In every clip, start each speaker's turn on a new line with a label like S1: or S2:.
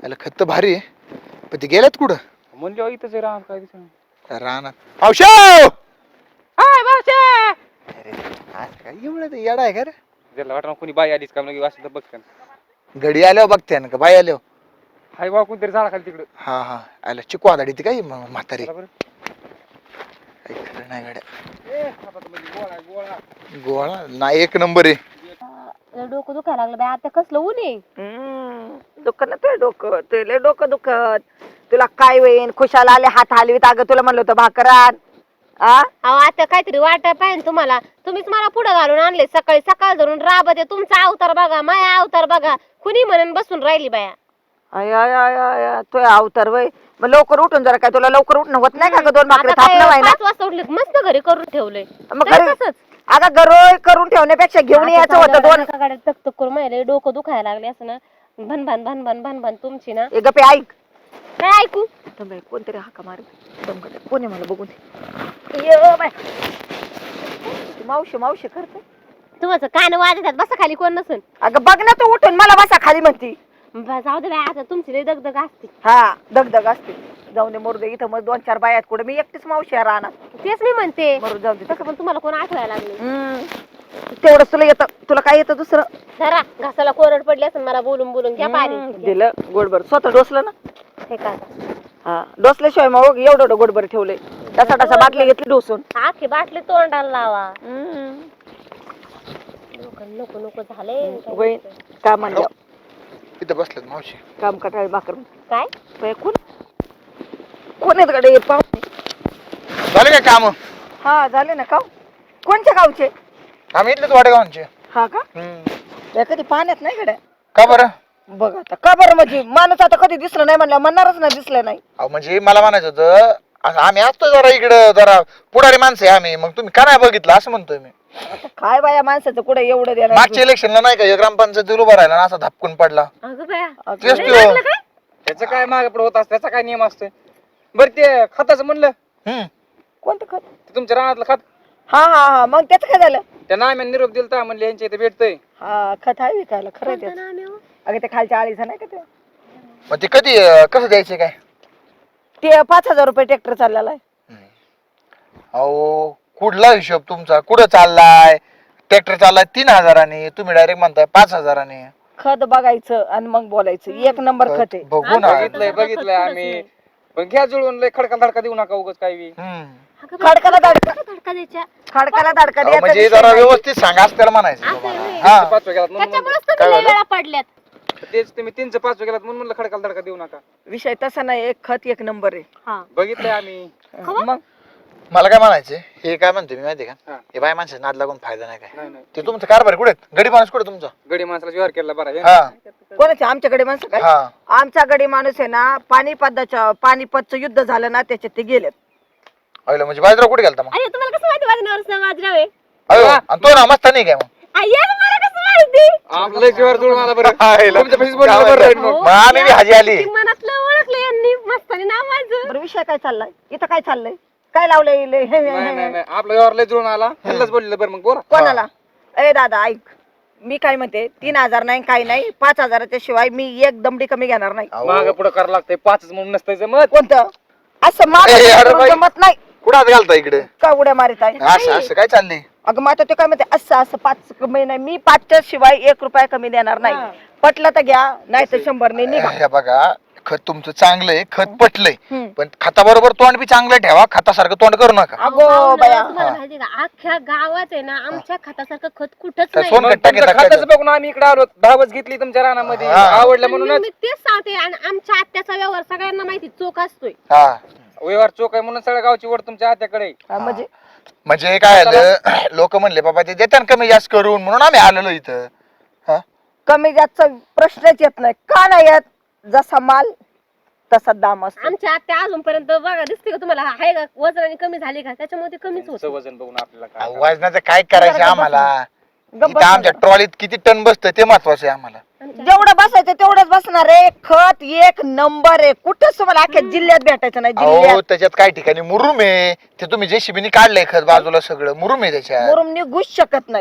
S1: त्याला खत तर भारी आहे पण ते गेल्यात कुठं
S2: म्हणजे इथंच आहे राम काय दिसत
S1: रानात औषध
S2: हाय बावशे
S1: अरे आज काय एवढं ते येडा आहे का रे
S2: त्याला वाटलं कोणी बाई आलीच का म्हणजे असं तर बघते
S1: घडी आल्यावर बघते ना का बाई आल्यावर
S2: हाय बा कोणतरी झाडा खाली तिकडं
S1: हा हा आला चिकू आदाडी ती काय म्हातारी
S2: बरोबर
S1: काही खरं नाही गाड्या
S2: ए आता तर म्हणजे गोळा गोळा
S1: गोळा नाही एक नंबर आहे
S3: डोकं दुखायला लागलं बाई आता कसलं ऊन आहे
S4: दुखत ना ते डोकं तुला डोकं दुखत तुला काय होईन खुशाला आले हात हलवीत अगं तुला म्हणलं होतं भाकरात
S3: अहो आता काहीतरी वाटाय पाहिजे तुम्हाला तुम्हीच मला पुढे घालून आणले सकाळी सकाळ धरून राबत तुमचा अवतार बघा माया अवतार बघा कुणी म्हणून बसून राहिली बाया
S4: आय आय आय आय तो अवतार वय मग लवकर उठून जरा काय तुला लवकर उठणं होत नाही का ग दोन भाकरी
S3: आता
S4: थापणं
S3: काय
S4: व्हायला
S3: 5 वाजता उठले मस्त घरी करून ठेवलंय
S4: मग
S3: तरी
S4: घरी
S3: तसंच.
S4: अगं गरोळ करून ठेवण्यापेक्षा घेऊन यायचं होतं दोन
S3: गाड्यात तक करून माहिले डोकं दुखायला लागले असं ना भन भन भन भन भन भन तुमची ना
S4: ए गप्पे ऐक
S3: काय ऐकू
S4: थांब कोणतरी हाका मार कोणी मला बघून ये बाय मावशी मावशी करते
S3: तुमचं कान वाजतात बसा खाली कोण नसेल
S4: अगं बघ ना तू उठून मला बसा खाली म्हणती
S3: जाऊ दे बाय आता तुमची लई दगदग असते
S4: हा दगदग असते जाऊन दे मरू दे इथं मग 2-4 बायात कुठे मी एकटीच मावशी आहे राहणार
S3: तेच मी म्हणते
S4: मरू जाऊ दे
S3: तसं पण तुम्हाला कोण आठवायला लागले
S4: तेवढंच तुला येतं तुला काय येतं दुसरं
S3: धरा घासाला कोरड पडली असेल मला बोलून बोलून घ्या पाणी
S4: दिलं गोडभर स्वतः डोसलं ना
S3: हे का
S4: हा डोसल्याशिवाय मग एवढं गोडभर ठेवलंय तसा बाटली घेतली डोसून
S3: आखी बाटली तोंडाला लावा नको नको झाले
S4: काम म्हणलं
S1: इथं बसलेत मावशी
S4: काम कटाळी भाकर
S3: काय
S4: बाई, कोण आहेत कडे पाहुणे
S1: झाले काय काम
S4: हा झाले ना का कोणत्या गावचे
S1: आम्ही इथलेच वाडेगावांचे
S4: हा का बाई, कधी पाण्यात नाही गड्या
S1: का बरं
S4: बघ आता का बरं म्हणजे माणूस आता कधी दिसलं नाही म्हणलं म्हणणारच नाही दिसलं नाही
S1: अहो म्हणजे मला म्हणायचं होतं आम्ही असतो जरा इकडं जरा पुढारी माणसं आहे आम्ही मग तुम्ही का नाही बघितलं असं म्हणतोय मी
S4: आता काय बाया माणसाचं कुठे एवढं देणार
S1: मागच्या इलेक्शनला नाही का हे ग्रामपंचायत उभा राहिला ना असा धपकून पडला
S3: अगं बाया
S1: तेच
S3: लय
S1: तो.
S3: लागलं काय
S2: त्याचं काय मागे पुढे होत असतं त्याचा काय नियम असतोय बरं ते खताचं म्हणलं
S1: हम्म.
S4: कोणतं खत
S2: ते तुमच्या रानातलं खत
S4: हा हा हा मग त्याचं काय झालं
S2: त्या नाम्याने निरोप दिलता म्हणले यांच्या इथे भेटतंय
S4: हा खत आहे विकायला खरं आहे
S3: कोणतं
S4: त्याचं.
S3: नाव आहे हो?
S4: अगं ते खालच्या आळीचा नाही का ते
S1: मग ते कधी कसं द्यायचे काय
S4: ते 5,000 रुपये ट्रॅक्टर चाललेला आहे
S1: अहो कुठला हिशोब तुमचा कुठं चाललाय ट्रॅक्टर चाललाय 3,000 तुम्ही डायरेक्ट म्हणताय 5,000
S4: खत बघायचं आणि मग बोलायचं एक नंबर खत आहे
S1: बघू ना
S2: बघितलंय आम्ही पण घ्या जुळून लय खडका धडका देऊ नका उगाच काय बी
S1: हम्म.
S3: अगं बाया,
S4: खडकाला धडका
S3: धडका द्यायच्या
S4: खडकाला धडका
S1: अहो,
S4: द्यायचा
S1: म्हणजे
S4: विषय
S1: जरा
S4: नाही.
S1: व्यवस्थित सांगा असं त्याला म्हणायचं
S3: असं
S1: तुम्हाला.
S3: आहे.
S1: हा
S2: 5 गेलात म्हणून
S3: त्याच्यामुळेच
S1: काय
S3: तुम्ही लय
S1: झालं?
S3: वेळा पडल्यात
S2: तेच तुम्ही 3चं 5 गेलात म्हणून म्हणलं खडकाला धडका देऊ नका
S4: विषय तसा नाही एक खत एक नंबर आहे
S3: हा
S2: बघितलंय आम्ही
S4: मग
S1: मला काय म्हणायचंय हे काय म्हणतो मी माहिती का
S2: हा.
S1: हे बाय माणसं नाद लागून फायदा नाही काय
S2: नाही
S1: ते तुमचं कारभार कुठे गडी माणूस कुठे तुमचा
S2: गडी माणसाला व्यवहार केला बरा आहे.
S1: हा
S4: कोणाचे आमच्याकडे माणसं काय
S1: हा
S4: आमचा गडी माणूस आहे ना पानिपतचं युद्ध झालं ना त्याच्यात ते गेलेत
S1: अहिलं म्हणजे बाजरा कुठे गेलता मग
S3: अरे तुम्हाला कसं माहिती माझं नवरस बाजराव आहे
S1: अयो आणि तो ना मस्त नाही काय मग
S3: अय्या मला कसं माहिती
S2: आपलं लय व्यवहार जुळून आला बरं
S1: हायला.
S2: तुमच्या पैसेच बोलले बरं राहील मग.
S1: मग आम्ही बी हाजी आली
S3: ती मनातलं ओळखलं यांनी मस्तानी नाव माझं
S4: बरं विषय काय चाललाय इथं काय चाललंय काय लावलंय
S2: नाही नाही नाही आपला व्यवहार लय जुळून आला ह्यालाच बोललेलं बरं मग बोला
S4: कोणाला ए दादा ऐक मी काय म्हणते 3,000 नाही काही नाही 5,000च्या शिवाय मी एक दमडी कमी घेणार नाही
S1: अहो,
S2: माग पुढे करावं लागतंय 5च म्हणून नसतंय जमत
S4: कोणतं असं माग
S1: ए, अरे बाई.
S4: जमत नाही
S1: कुठं हात घालता इकडे
S4: का उड्या मारित आहे
S1: असं असं काय चाललंय
S4: अगं मग आता ते काय म्हणते असं 5 कमी नाही मी 5च्या शिवाय 1 रुपया कमी देणार नाही पटलं तर घ्या नाही तर 100 ने निघा
S1: हे बघा खत तुमचं चांगलंय खत पटलंय
S4: हम्म.
S1: पण खताबरोबर तोंड बी चांगलं ठेवा खतासारखं तोंड करू नका
S4: अगो बाया
S3: तुम्हाला माहिती का अख्ख्या गावात आहे ना आमच्या खतासारखं खत कुठंच
S1: काय
S3: नाही
S1: सोन खट्टा
S2: तुमचं
S1: घेता
S2: खात्याचं बघून आम्ही इकडे आलो धावच घेतली तुमच्या रानामध्ये
S1: हा.
S2: आवडलं
S3: आणि
S2: म्हणूनच
S3: मी तेच सांगते आणि आमच्या आत्याचा व्यवहार सगळ्यांना माहिती चोख असतोय
S1: हा
S2: व्यवहार चोख आहे म्हणून सगळ्या गावची वड तुमच्या हात्याकडे
S4: हा, म्हणजे
S1: म्हणजे काय झालं लोक म्हणले बाबा ते देतात कमी जास्त करून म्हणून आम्ही आलेलो इथं हा
S4: कमी जास्तचा प्रश्नच येत नाही का नाही येत जसा माल तसा दाम असतो
S3: आमच्या आत्या अजूनपर्यंत बघा दिसते का तुम्हाला आहे का वजनाने कमी झाली का त्याच्यामुळे ते कमीच होत
S2: तुमचं वजन बघून आपल्याला काय
S1: अहो, वजनाचं काय करायचं आम्हाला
S4: गप्प
S1: इथं आमच्या ट्रॉलीत किती टन बसतं ते महत्वाचं आहे आम्हाला
S4: जेवढं बसायचं तेवढंच बसणार आहे खत एक नंबर आहे कुठंच तुम्हाला अख्ख्या जिल्ह्यात भेटायचं नाही
S1: अहो
S4: जिल्ह्यात
S1: त्याच्यात काही ठिकाणी मुरुम आहे ते तुम्ही जेसीबीने काढलंय खत बाजूला सगळं मुरुम आहे त्याच्यात
S4: मुरुम निघूच शकत नाही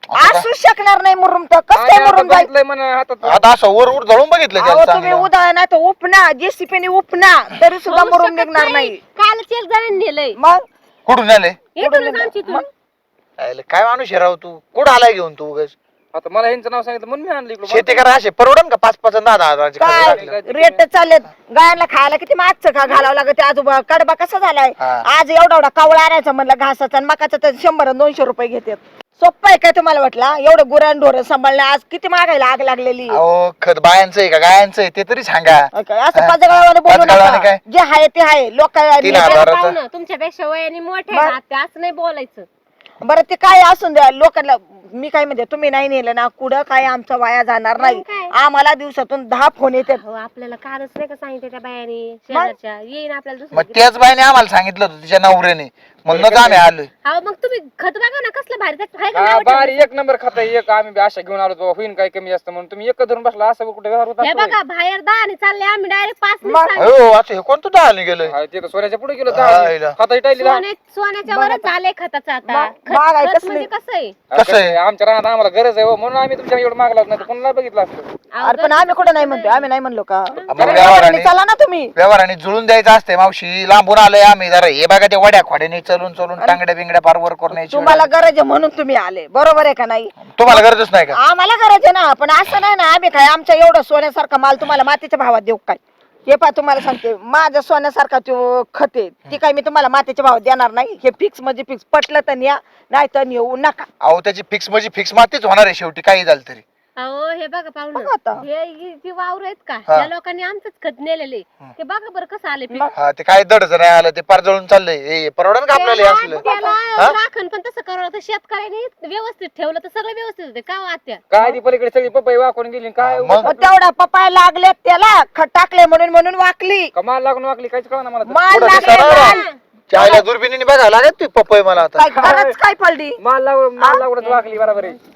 S4: असू शकणार नाही मुरुम तर कसं काय मुरुम जाईल
S2: बघितलंय म्हणा हातात
S1: आता असं वर वर जळून बघितलं
S4: अहो
S1: त्याला
S4: तुम्ही
S1: चांगलं.
S4: उदा नाही तर उपना जेसीपीने उपना तरी सुद्धा
S3: होऊ
S4: मुरुम
S3: शकत
S4: निघणार नाही
S3: कालच एक जणांनी नेलंय
S4: मग
S1: कुठून आले
S3: इथूनच आमची इथून.
S1: अरे, काय माणूस आहे राव तू कुठं आलाय घेऊन तू उगाच?
S2: आता मला यांचं नाव सांगितलं म्हणून मी आणलं इकडं.
S1: शेती करा असे परवडन का 5-5 आणि 10-10 हजाराचे खर्च
S4: काय
S1: लागले?
S4: रेट चाललेत गायांना खायला किती मागचं का घालावं लागत आजोबा कडबा कसा झालाय
S1: हा.
S4: आज एवढा कावळा आणायचा म्हणलं घासाचा आणि मकाचा तर 100-200 रुपये घेतात सोप्पं आहे काय तुम्हाला वाटलं एवढं गुरान ढोरं सांभाळणं आज किती मागायला आग लागलेली
S1: अहो खत बायांचं आहे का गायांचं आहे ते तरी सांगा.
S4: असं पाजगावाने बोलू
S1: पाचगावाने
S4: नका
S1: काय?
S4: जे आहे ते आहे लोक
S1: 3,000
S3: बघा
S1: हजाराचं.
S3: पाहुणं, तुमच्यापेक्षा वयाने मोठे
S4: मग?
S3: आहेत, असं नाही बोलायचं.
S4: बरं ते काय असून द्या लोकांना मी काय म्हणते तुम्ही नाही नेलं ना कुठं काय आमचा वाया जाणार नाही
S3: मग काय?
S4: आम्हाला दिवसातून 10 फोन येतात
S3: अहो, आपल्याला कालच नाही का सांगितलं त्या बायाने शेजारच्या येईन आपल्याला
S1: मग
S3: दुसरं
S1: त्याच बाईने आम्हाला सांगितलं होतं तिच्या नवऱ्याने म्हणूनच आम्ही आलोय.
S3: अहो मग तुम्ही खत बघा ना कसलं भारी त्यात आहे का
S2: हा
S3: नाव
S2: बारी
S3: ठेवलं?
S2: एक नंबर खाता एक आम्ही बी आशा घेऊन आलो बाबा होईन काय कमी जास्त म्हणून तुम्ही एक धरून बसला असं कुठे व्यवहार होत
S3: हे
S2: असतो
S3: बघा बाहेर 10 आणि चालले आम्ही डायरेक्ट 5
S4: मग?
S1: हो असं हे कोणतं दहाने गेलोय?
S2: होय. ते तर सोन्याच्या पुढे गेलो
S1: हायला.
S2: खाता टाळली
S3: सोन्याच्या वरच झालंय खताचं आता
S4: मग आहे
S3: खत
S4: कसली?
S3: म्हणजे कसं आहे
S1: कसं आहे?
S2: आमच्या राहणार आम्हाला गरज आहे हो, म्हणून आम्ही तुमच्या एवढं मागला नाही तर कोणाला बघितलं असतं.
S3: अहो,
S4: अरे पण आम्ही कुठं नाही म्हणतो आम्ही नाही म्हणलो का
S1: मग व्यवहाराने
S4: चला ना तुम्ही
S1: व्यवहाराने जुळून द्यायचं असते मावशी लांबून आलोय आम्ही जरा हे बघा ते वड्या खोड्याने चलून चलून टांगड्या बिंगड्या पार वर करून यायची
S4: तुम्हाला गरज आहे म्हणून तुम्ही आले बरोबर आहे का नाही
S1: तुम्हाला गरजच नाही का?
S4: आम्हाला गरज आहे ना पण असं नाही ना आम्ही काय आमच्या एवढं सोन्यासारखा माल तुम्हाला मातीच्या भावात देऊ काय हे पा तुम्हाला सांगते माझ्या सोन्यासारखा तो खते ती काय मी तुम्हाला मातीच्या भावात देणार नाही हे फिक्स म्हणजे फिक्स पटलं तर या नाही तर येऊ नका
S1: अहो त्याची फिक्स म्हणजे फिक्स मातीच होणार आहे शेवटी काही झालं तरी.
S3: अहो हे बघा
S4: बघा
S3: पाहुणं
S4: आता.
S3: हे जी वावर आहेत का
S1: हा.
S3: त्या लोकांनी आमचंच खत नेलेले ते बघा बरं कसं आले पीक.
S4: मग
S1: हा ते काय दडच नाही आलं ते पार जळून चाललंय हे परवडन का आपल्याला हे असलं?
S3: त्याला
S1: हा?
S3: राखण पण तसं करावं तर शेतकऱ्यांनी व्यवस्थित ठेवलं तर सगळं व्यवस्थित होते का हो आत्या
S2: काय ती पलीकडे सगळी पपई वाकून गेली काय
S1: मग?
S4: मग तेवढा पपाय लागले त्याला खत टाकले म्हणून वाकली
S2: कमाल लागून वाकली काहीच कळा ना मला तर.
S4: माल
S1: पुढं
S4: लागले
S1: दिसायला
S4: माल.
S1: ना. चायला दुर्बिणीने बघा लागत ती पपई मला आता.
S4: काय गरज काय पडली
S2: माल लागूनच वाकली बरोबर आहे.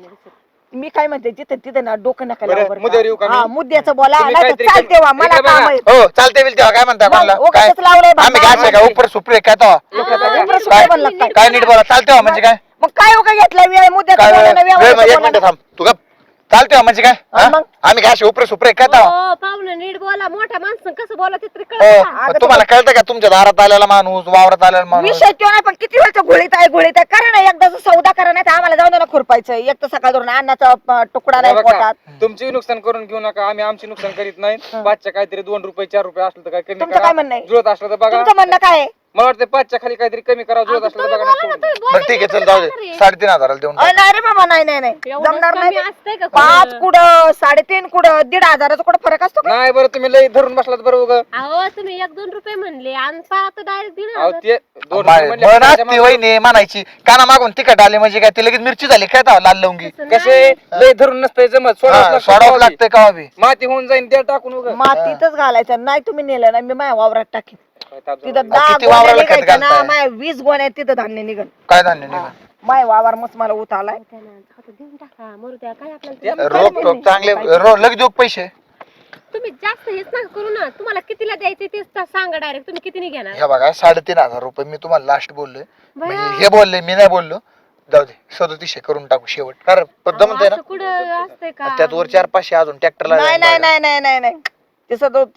S4: मी काय म्हणते जिथे तिथे ना डोकं नका
S2: बरं,
S4: लावू बरं का?
S2: मुद्द्यावर येऊ का मी?
S4: हा, मुद्द्याचं बोला
S2: तुम्ही
S4: नाही
S2: काहीतरी
S4: चालते वा मला
S2: इकडे
S4: काम
S2: बघा.
S4: आहे
S1: हो चालते बिल तेव्हा काय म्हणता कोणाला
S4: मग
S1: काय
S4: उगाचच लावलंय
S1: आम्ही
S4: बाबा.
S1: काय का उपर सुपरे काय तेव्हा?
S4: काय
S1: काय
S4: म्हणलं
S1: काय नीट बोला चालते म्हणजे काय
S4: मग काय उगा घेतला वेळ मुद्द्याचं
S1: काय
S4: बोला ना,
S1: वेळ
S4: व्यवहाराचं
S1: एक
S4: बोला
S1: मिनिट
S4: ना.
S1: थांब तू का चालते म्हणजे काय हा?
S4: मग?
S1: आम्ही काय असे उपरे सुपरे काय तेव्हा?
S3: हो पाहुणं नीट बोला मोठ्या माणसं कसं बोला ते तरी
S1: हो
S3: कळतं का?
S1: मग तुम्हाला कळतं का तुमच्या दारात आलेला माणूस वावरात आलेला माणूस
S4: विषय तो नाही पण किती वेळचं घोळीत आहे करा ना एकदाच सौदा करा नाही तर आम्हाला जाऊन ना खुरपायचं एक तर सकाळ धरून अन्नाचा तुकडा नाही
S2: बघा,
S4: पोटात
S2: तुमची नुकसान करून घेऊ नका आम्ही आमची नुकसान करीत नाही पाचच्या काहीतरी 2 रुपये 4 रुपये असलं तर काय कमी
S4: तुमचं काय
S2: करा
S4: म्हणणं आहे?
S2: जुळत असलं तर बघा
S4: तुमचं म्हणणं काय आहे?
S2: मला वाटतं 5च्या खाली काहीतरी कमी करा जुळत
S3: अहो,
S2: असलं तर
S3: तुम्ही
S2: बघा
S3: बोला ना,
S2: ना.
S3: तुम्ही
S1: बरं ठीक आहे चल जाऊ दे 3,500 देऊन टाक.
S4: नाही रे बाबा नाही नाही नाही
S3: एवढं
S4: जमणार
S3: कमी
S4: नाही
S3: असतंय का
S4: 5
S3: कुठं?
S4: कुठं 3.5 कुठं 1,500 कुठं फरक असतो का?
S2: नाही बरं तुम्ही लई धरून बसलात बरं उगा.
S3: अहो तुम्ही 1-2 रुपये म्हणले आणि आता डायरेक्ट
S2: अहो ते 2
S1: बाय-
S2: रुपये
S1: म्हणा
S2: म्हणले
S1: ती वहिनी म्हणायची काना मागून तिखट आली म्हणजे काय ती लगेच मिरची झाली काय तेव्हा लाल लवंगी
S2: कसे लई धरून नसतंय जमत
S1: सोडावं
S2: सोडावं
S1: लागतंय का बी
S2: माती होऊन जाईन त्या टाकून उगा
S4: मातीतच घालायचं नाही तुम्ही नेलं ना मी माझ्या वावरात टाकीन
S2: काय ताप
S4: तिथं
S2: झाला.
S4: 10
S1: किती
S4: गोण्या
S1: वावराला खत
S4: निघायच्या ना
S1: घालताय?
S4: माझ्या 20 गोण्या तिथं धान्य निघन
S1: काय धान्य निघाल
S4: माय वावर मस्त मला उत आलाय
S3: देऊन टाका मरू द्या काय आपल्याला
S1: रोप टोप चांगले लगेच देऊ का पैसे
S3: तुम्ही जास्त हेच नका करू ना तुम्हाला कितीला द्यायचे तेच सांगा डायरेक्ट तुम्ही कितीने घेणार
S1: हे बघा 3,500 रुपये मी तुम्हाला लास्ट बोललोय
S3: भया.
S1: म्हणजे हे बोलले मी नाही बोललो जाऊ दे 3700 करून टाकू शेवट कारण पद्धत म्हणते
S3: असं कुठं असतंय का
S1: ना त्यात वर 400-500 अजून ट्रॅक्टरला
S4: नाही नाही नाही नाही नाही नाही ते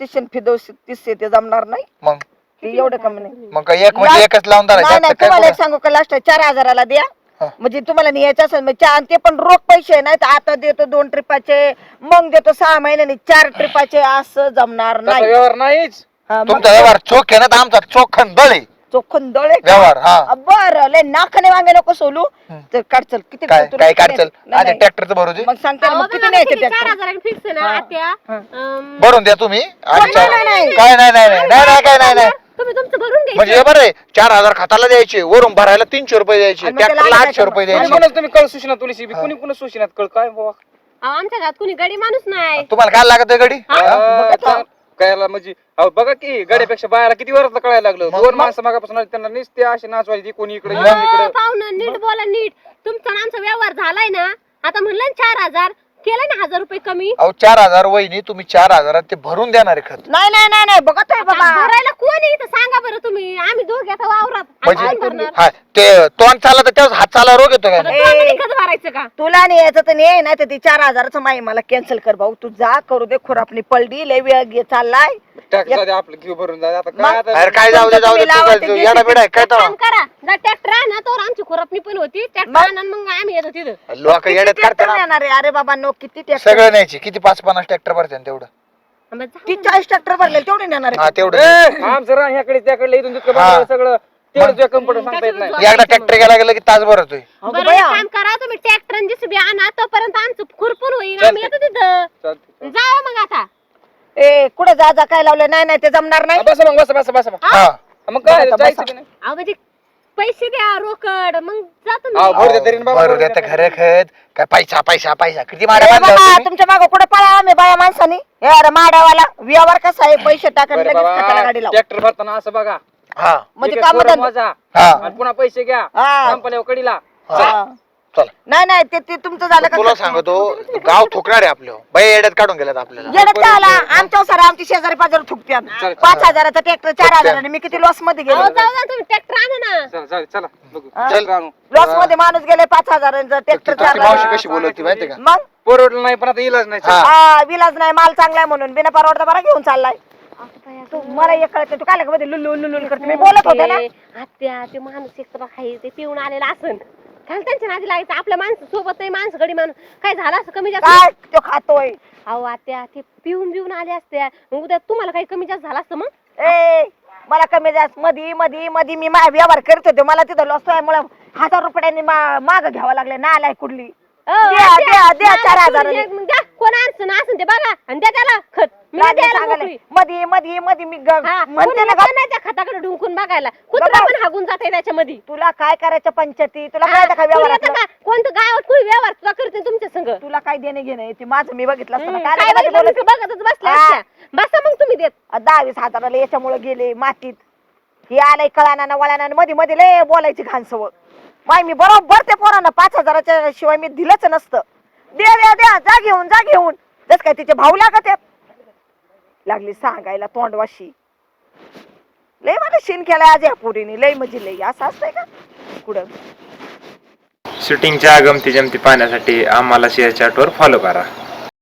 S4: 37 ते जमणार नाही
S1: मग
S4: ते एवढं कमी नाही
S1: मग काय एक म्हणजे एकच लावून
S4: नाही
S1: धरायचं
S4: नाही
S1: आता काय
S4: तुम्हाला एक
S1: पुढं?
S4: सांगू का लास्ट 4,000ला द्या
S1: हा.
S4: म्हणजे तुम्हाला न्यायचं असेल मग चार ते पण रोख पैसे नाही तर आता देतो 2 ट्रिपाचे मग देतो 6 महिन्यांनी 4 ट्रिपाचे असं जमणार
S2: तसा
S4: नाही
S2: व्यवहार नाहीच
S4: हा, मग
S1: तुमचा व्यवहार चोख आहे ना तर आमचा चोखन दळ आहे
S4: चोखून दळे का?
S1: व्यवहार हा
S4: बरं लय नाकाने वांगे नको सोलू तर काढचल किती
S1: काय
S4: तुला
S1: काय
S4: किती
S1: काढचल
S4: नाही,
S1: आधी
S4: नाही.
S1: ट्रॅक्टरचं भरू दे
S4: मग सांगते ना,
S3: अहो,
S4: मग किती
S3: बघा,
S4: न्यायचे
S3: किती
S4: ट्रॅक्टर
S3: 4,000 फिक्स आहे ना
S4: हा.
S3: आत्या
S4: हा.
S1: भरून द्या तुम्ही आणि
S4: नाही, नाही, नाही.
S1: काय नाही नाही नाही नाही नाही काय नाही नाही
S3: तुम्ही तुमचं भरून
S1: म्हणजे हे
S3: घ्यायचं
S1: बरं आहे 4,000 खाताला द्यायचे वरून भरायला 300 रुपये द्यायचे
S4: आणि मग त्याला
S1: ट्रॅक्टरला
S4: आलं
S1: 800 रुपये
S2: आणि
S1: द्यायचे
S2: म्हणून तुम्ही कळ सुशिनात तुळशी कुणी कुणी सुशिनात कळ काय बाबा
S3: अहो, आमच्या घरात कुणी गडी माणूस नाही
S1: तुम्हाला काय लागत आहे गडी
S2: कायला म्हणजे अहो बघा की गाड्यापेक्षा बायाला किती वरात कळायला लागलं
S1: मग-
S2: 2 माणसं मागापासून आली, त्यांना नुसते असे नाचवायची कोणी इकडे
S3: हो,
S2: इकडे
S3: पाहुणं नीट बोला नीट तुमचा आणि आमचा व्यवहार झालाय ना आता म्हणलं ना 4,000 केलं ना 1000 रुपये कमी.
S1: अहो 4000 वहिनी, तुम्ही 4000 ते भरून देणार आहे खत.
S4: नाही नाही नाही नाही बघत आहे
S3: आता
S4: बाबा.
S3: भरायला कोण आहे इथं सांगा बरं तुम्ही. आम्ही दोघे आता वावरात आम्ही
S1: म्हणजे
S3: कोण भरणार?
S1: हा ते तोंड चालला तर त्यावेळेस हात चाला रोग येतो
S3: आता
S1: का?
S3: तोंडाने खत भरायचं का?
S4: तुला नाही यायचं तर नाही नाही तर ती 4000चं माई मला कॅन्सल कर भाऊ. तू जा करू दे खुरापणी पडली लय वेळ चाललाय.
S2: टॅक्स जाऊ आपलं घेऊ भरून जाऊ आता
S4: मग?
S2: काय आता
S1: अरे काय जाऊ दे जाऊ दे,
S4: तुम्ही लावा ते
S1: तू येडा बिडा आहे काय
S3: एक काम
S1: तर
S3: करा, जा ट्रॅक्टर आणा, तर आमची खुरपणी पण होती. ट्रॅक्टर
S4: मग?
S3: आणा मग आम्ही येतो तिथं.
S1: लोक येड्यात
S4: किती
S1: करते
S4: ट्रॅक्टर
S1: ना.
S4: येणार आहे? अरे बाबा नो किती ट्रॅक्टर?
S1: सगळं न्यायचे किती 5-50 ट्रॅक्टर भरते तेवढं.
S3: मग जा.
S4: ती 40 ट्रॅक्टर भरले तेवढे नेणार
S1: हा
S4: आहे.
S1: तेवढं.
S2: आमचं रान ह्याकडे त्याकडे इथून तितकं
S1: हा.
S2: बघायला सगळं तेवढं कम्प्युटर सांगता येत नाही.
S1: एकदा ट्रॅक्टर गेला गेला की तास भरतोय.
S4: अगं
S3: बरं एक
S4: बया.
S3: काम करा, तुम्ही ट्रॅक्टर आणि JCB आणा, तोपर्यंत आमचं खुरपून होईल.
S2: चालतंय.
S3: आम्ही येतो तिथं.
S2: चालतंय.
S3: जावा मग आता.
S4: ए कुठे जा जा काय लावलं? नाही नाही ते जमणार नाही.
S2: बसा मग बसा
S1: हा
S2: मग काय
S4: बसा,
S2: जायचं
S4: बसा.
S2: की नाही?
S3: अहो म्हणजे पैसे द्या रोकड, मग जा तुम्ही.
S2: अहो, भरू दे तरी ना बाबा,
S1: भरू
S2: भरू
S1: दे
S2: दे
S1: तर
S2: तरी.
S1: खरं खत काय पैसा पैसा पैसा किती
S4: ए
S1: माड्या बांधल्या
S4: बाबा
S1: तुम्ही?
S4: तुमच्या मागं कुठे पळा आम्ही बाया माणसानी? हे अरे माड्यावाला व्यवहार कसा आहे? पैसे टाकून
S2: बरं
S4: लगेच खताला
S2: बाबा
S4: गाडी लाव.
S2: ट्रॅक्टर भरताना असं बघा
S1: हा
S4: म्हणजे
S2: एक
S4: काम
S2: कोरं मोजा
S1: हा
S2: आणि पुन्हा पैसे घ्या
S4: हा.
S2: संपल्यावर कडीला.
S1: हा. चल
S4: नाही नाही ते तुमचं झालं का?
S1: तुला सांगतो गाव ठोकणार आहे आपलं बाई येड्यात काढून गेल्यात आपल्याला.
S4: येडत काय आला? आमच्या सर आमची शेजारी पाजारी थुकत्यात.
S2: चल.
S4: 5000चा ट्रॅक्टर 4000 मी किती लॉस मध्ये
S3: अहो
S4: गेलो.
S3: जाऊ जा, तुम्ही ट्रॅक्टर आणा ना.
S2: चला चला चला बघू
S4: हा.
S2: ट्रॅक्टर आणू.
S4: लॉस मध्ये माणूस गेले 5000चा ट्रॅक्टर
S1: ती मावशी
S4: 4000.
S1: कशी बोलवती माहिती का?
S4: मग
S2: परवडलं नाही पण आता इलाज नाही.
S1: हा.
S4: हा विलाज नाही माल चांगलाय म्हणून बिना परवडता बरा घेऊन चाललाय. तू मला एक कळत तू काय मध्ये लुल्लू लुल्लू करते. मी बोलत होते ना.
S3: आत्या ते माणूस एक तर आहे ते पिऊन आलेला असन. काय त्यांच्या नादी लागायचं? आपल्या माणसं सोबत नाही, माणसं गडी माणूस काय झालं असं कमी जास्त?
S4: काय तो खातोय?
S3: अहो आत्या ते पिऊन बिऊन आले असते, मग उद्या तुम्हाला काही कमी जास्त झालं असतं मग.
S4: ए मला कमी जास्त मधी मधी मधी मी व्यवहार करत होते. मला तिथं लॉस मुळे 1000 रुपयांनी माग घ्यावं लागले. ना आलाय कुठली द्या 4000.
S3: कोण अडचण असेल ते बघा आणि द्या त्याला खत. मी नाही द्यायला मोकळी.
S4: मधी मधी मधी मी
S3: हा,
S4: म्हणते
S3: कोणी
S4: ना
S3: येत नाही त्या खताकडे ढुंकून बघायला. कुत्रा
S4: बघा.
S3: पण हागून जाते त्याच्यामध्ये.
S4: तुला काय करायचं पंचायती? तुला
S3: हा,
S4: काय काय
S3: कोणी येतं
S4: व्यवहार?
S3: का? कोणतं गावात कोणी व्यवहार तुला करते तुमच्या संग?
S4: तुला काय देणे घेणे ते माझं मी बघितलं असतं ना.
S3: काय
S4: काय
S3: बघितलं
S4: बोलत
S3: नुसतं बघतच बसल्या
S4: हा.
S3: असत्या. बसा मग तुम्ही देत.
S4: 10-20 हजाराला याच्यामुळे गेले मातीत. हे आलंय कळाना ना वळाना मध्ये मध्ये लय बोलायची घाण सवय. माय मी बरोबर ते पोरांना 5000च्या शिवाय मी दिलंच नसतं. द्या द्या द्या जा घेऊन जस काय तिचे भाऊ लागत आहेत. लागली सांगायला तोंडवाशी. लय मला शिन केलाय आज या पोरीने. लय म्हणजे लय असं असतंय का कुठं?
S5: शूटिंगच्या गमती जमती पाहण्यासाठी आम्हाला शेअर चॅटवर फॉलो करा.